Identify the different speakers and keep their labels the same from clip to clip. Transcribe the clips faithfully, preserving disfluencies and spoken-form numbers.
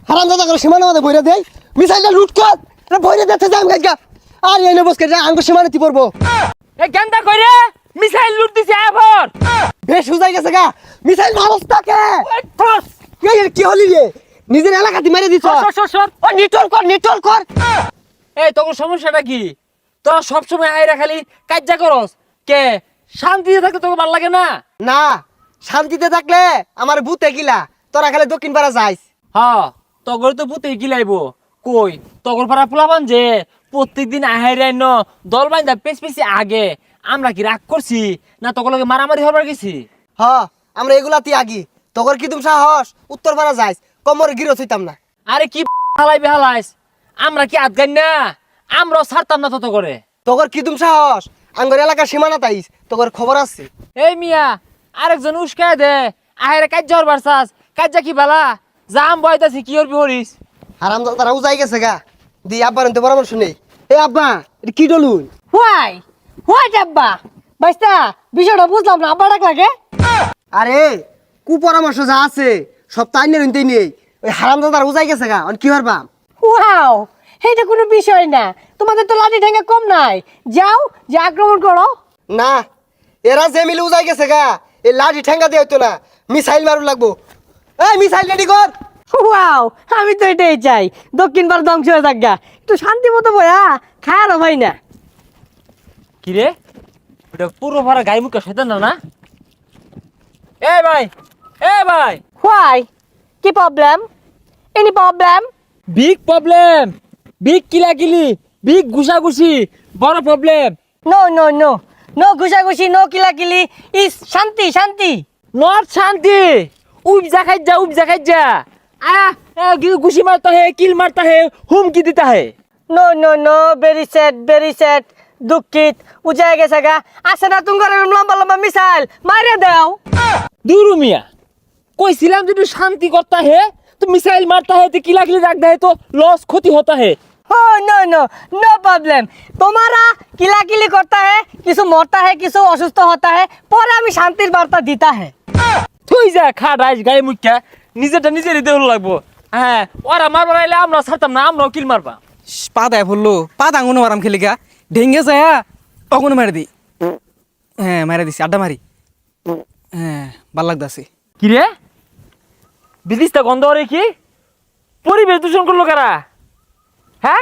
Speaker 1: হারামজাদা করে সীমানা মধ্যে বইরা দেই মিসাইলটা লুট কর এটা বইরা দিতে যাম গাইগা আর এনে বসকে যা আঙ্গ সীমানাতে পড়বো
Speaker 2: এ গেন্দা কইরে মিসাইল লুট দিছে এবার
Speaker 1: বেশ হুজাই গেছে গা মিসাইল মারস্তাকে
Speaker 2: ঠস
Speaker 1: এই এর কি হলি রে নিজের এলাকাতে মেরে দিছ
Speaker 2: সর সর সর
Speaker 1: ও নিটল কর নিটল কর
Speaker 2: এই তোর সমস্যাটা কি তোরা সব সময় আইরা খালি কাজ্জা করস কে শান্তিতে থাকতে তোকে ভালো লাগে না
Speaker 1: না শান্তিতে থাকলে আমার ভূতে গিলা তোরা খালি দক্ষিণ পাড়া যাইস
Speaker 2: হ্যাঁ তগর তো পুতে গিলাইবো কই তগর পাড়া পোলাবান যে প্রত্যেকদিন আহাইরাই ন দল বাইন্দা পেছ পেছি আগে আমরা কি রাগ করছি না তগর লগে মারামারি হবার গেছি
Speaker 1: হ আমরা এগুলাতে আগি তোর কি তুমি সাহস উত্তর পাড়া যাইস কমর গিরো হইতাম না
Speaker 2: আরে কি হালাই বেহালাইস আমরা কি আদগাই না আমরাও ছাড়তাম না তত করে
Speaker 1: তোর কি তুমি সাহস আঙ্গর এলাকার সীমানা তাইস তোর খবর আছে
Speaker 2: এই মিয়া আরেকজন উস্কায় দে আহেরে কাজ্জা হরবার চাস কাজ্জা কি বালা জাম বয়তাছি কি হরবি হরিস
Speaker 1: হারাম তারা উজাই গেছে গা দি আব্বার তো পরামর্শ নেই এ আব্বা এটা কি ডলুন
Speaker 3: হোয়াই হোয়াই আব্বা বাইস্তা বিষয়টা বুঝলাম না আব্বা ডাক লাগে
Speaker 1: আরে কু পরামর্শ যা আছে সব তাই নেই নিতেই নেই ওই হারাম দাদার উজাই গেছে গা অন কি হরবা
Speaker 3: ওয়াও এইটা কোনো বিষয় না তোমাদের তো লাঠি ঠেঙ্গা কম নাই যাও যে আক্রমণ করো
Speaker 1: না এরা যে মিলে উজাই গেছে গা এই লাঠি ঠেঙ্গা দিয়ে হইতো না মিসাইল মারু লাগবো এই মিসাইল রেডি কর
Speaker 3: ওয়াও আমি তো এটাই চাই দক্ষিণ ভারত ধ্বংস হয়ে থাক গা একটু শান্তি মতো বয়া খায়ারও ভাই না
Speaker 2: কি রে ওটা পুরো ভরা গায়ে মুখে শয়তান না না এ ভাই এ ভাই
Speaker 3: হোয়াই কি problem any problem
Speaker 2: big problem big কিলাকিলি বিগ ঘুষাঘুষি বড় problem
Speaker 3: no no no no ঘুষাঘুষি নো কিলাকিলি ইস শান্তি শান্তি
Speaker 2: নট শান্তি উপজা খাইজা উপজা খাইজা आ घुसी मारता है किल मारता है हुमकी देता है
Speaker 3: no no no very sad very sad दुखित उजाय গেছে গা আছে না তুঙ্গর লম্বা লম্বা মিসাইল মাইরে দাও
Speaker 2: दूर मिया कोई सिलाम जो शांति करता है तो मिसाइल मारता है तो किला किला रखता है तो लॉस क्षति होता है
Speaker 3: हो नो नो नो प्रॉब्लम तुम्हारा किलाकिली करता है किसी मरता है किसी অসুস্থ होता है पर আমি শান্তির বার্তা দিতা है
Speaker 2: তুই যা খা রাইস গায়ে মুখা নিজেরটা নিজেরই দেওয়া লাগবো হ্যাঁ ওরা মারবার আইলে আমরা ছাড়তাম না আমরাও কিল মারবা
Speaker 4: পা দেয় বললো পা দাঙ্গুনো মারাম খেলিকা ঢেঙ্গে যায় অগুনো মারি দি হ্যাঁ মারা দিছি আড্ডা মারি হ্যাঁ ভাল লাগতাছে
Speaker 2: কি রে বিদিশটা গন্ধ রে কি পরিবেশ দূষণ করলো কারা হ্যাঁ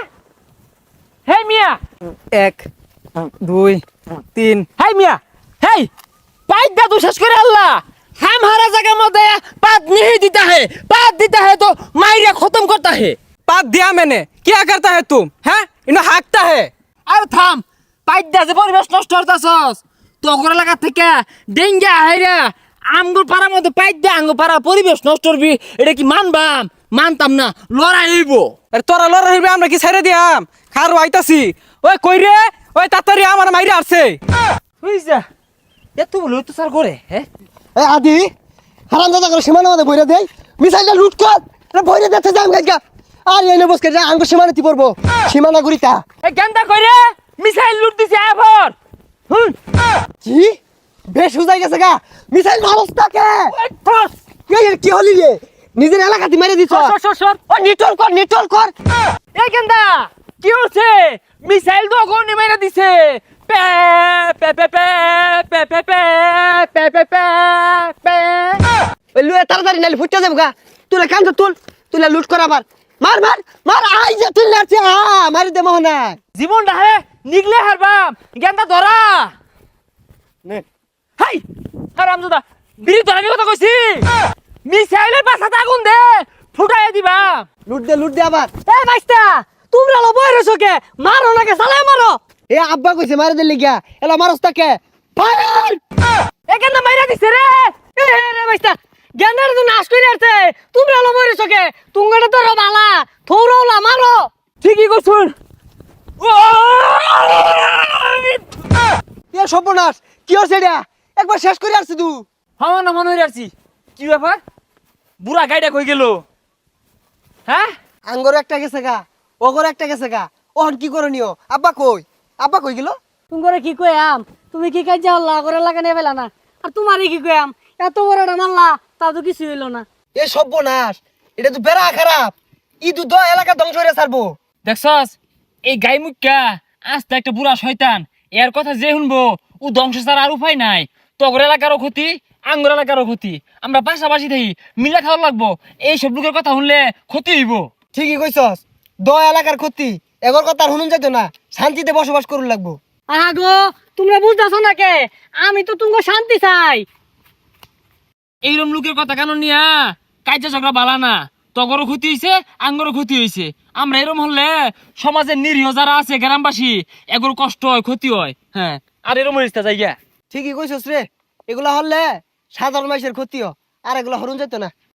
Speaker 2: হে মিয়া
Speaker 4: এক দুই তিন
Speaker 2: হাই মিয়া হেই পাইপ দা তু শেষ করে আল্লাহ हमारा जगह मत पात नहीं देता है पात देता है तो मायरा खत्म करता है
Speaker 4: पात दिया मैंने क्या करता है तुम हैं इन्हें हाँकता है
Speaker 2: अरे थाम पाइप दे যে পরিবেশ নষ্ট করতাছস তো ওগরা লাগা থেকে ডেঙ্গা হাইরা আমগুর পাড়ার মধ্যে পাইপ দে আঙ্গুর পাড়া পরিবেশ নষ্ট করবি এটা কি মানবাম মানতাম না লড়াই হইব
Speaker 4: আরে তোরা লড়াই হইবে আমরা কি ছেড়ে দিয়াম খারো আইতাছি ওই কই রে ওই তাড়াতাড়ি আমার মাইরা আসছে
Speaker 2: বুঝছা এত বলে তো স্যার করে হ্যাঁ
Speaker 1: এ আদি হারাম দাদা করে সীমানা মধ্যে বইরা দেই মিসাইলটা লুট কর এটা বইরা দিতে যাম গাইগা আর এনে বসকে যা আঙ্গ সীমানাতে পড়বো সীমানা গুরিতা
Speaker 2: এ গেন্দা কইরে মিসাইল লুট দিছে এবার হুম
Speaker 1: কি বেশ হুজাই গেছে গা মিসাইল মারস্তাকে
Speaker 2: ঠস
Speaker 1: এই এর কি হলি রে নিজের এলাকাতে মেরে দিছ
Speaker 2: সর সর সর
Speaker 1: ও নিটল কর নিটল কর
Speaker 2: এ গেন্দা কি হচ্ছে মিসাইল তো অগনি মেরে দিছে পে পে পে পে পে পে পে পে পে পে পে
Speaker 1: ওই লুয়ে তাড়াতাড়ি নালি ফুটতে যাবো গা তুলে কান তো তুল তুলে লুট কর আবার মার মার মার আই যে তুই লাগছে আ মারি দে মোহনা
Speaker 2: জীবনটা হে নিগলে হারবাম গেন্দা ধরা
Speaker 1: নে
Speaker 2: হাই হারামজাদা বিড়ি ধরা আমি কথা কইছি মিসাইলের পাছাতে আগুন দে ফুটাই দিবা
Speaker 1: লুট দে লুট দে আবার
Speaker 3: এ বাইস্তা তোমরা লো বইরে সকে মারো নাকি সালে মারো
Speaker 1: এ আব্বা কইছে মারি দে লিগা এলা মারস্তাকে ফায়ার
Speaker 3: এ কেন মাইরা দিছে রে এ রে বাইস্তা জ্ঞানের তো নাশ করে আসছে তোমরা লো বইরে সকে তুঙ্গড়ে তো বালা থৌরওলা মারো
Speaker 2: ঠিকই কইছুন
Speaker 1: এ সর্বনাশ কি হচ্ছে এটা একবার শেষ করে আসছি তুই
Speaker 2: হাওয়া না মনে হই আসছি কি ব্যাপার বুড়া গাইডা কই গেল হ্যাঁ
Speaker 1: আঙ্গর একটা গেছে গা ওগর একটা গেছে গা ওহন কি করনিও আব্বা কই আব্বা কই গেল
Speaker 3: তুঙ্গরে কি কইয়াম তুমি কি কাজ যাওলা করে লাগানে ফেলা না আর তোমারই কি কইয়াম এত বড়টা মারলা তাও তো কিছু হইলো না
Speaker 1: এ সর্বনাশ এটা তো বেড়া খারাপ ইদু দ এলাকা ধ্বংস হয়ে ছাড়বো।
Speaker 2: দেখছস এই গাই মুখ্যা আস্তে একটা বুড়া শয়তান, এর কথা যে শুনবো ও ধ্বংস ছাড়া আর উপায় নাই। তগর এলাকারও ক্ষতি, আঙ্গুর এলাকারও ক্ষতি, আমরা পাশাপাশি থাকি মিলা খাওয়া লাগবো। এইসব লোকের কথা শুনলে ক্ষতি হইব।
Speaker 1: ঠিকই কইছস, দ এলাকার ক্ষতি এগর কথা আর শুনুন যাইতো না, শান্তিতে বসবাস করুন লাগবো।
Speaker 3: আগো তোমরা বুঝতেছো না কে, আমি তো তুমি শান্তি চাই।
Speaker 2: এইরকম লোকের কথা কেন নিয়া কাজা ঝগড়া বালা না। তগরও ক্ষতি হয়েছে, আঙ্গরও ক্ষতি হয়েছে। আমরা এরকম হলে সমাজের নিরীহ যারা আছে গ্রামবাসী এগুলো কষ্ট হয়, ক্ষতি হয়। হ্যাঁ, আর এরকম হইছে জায়গা।
Speaker 1: ঠিকই কইছস রে, এগুলা হলে সাধারণ মানুষের ক্ষতিও, আর এগুলা হরুন যেত না।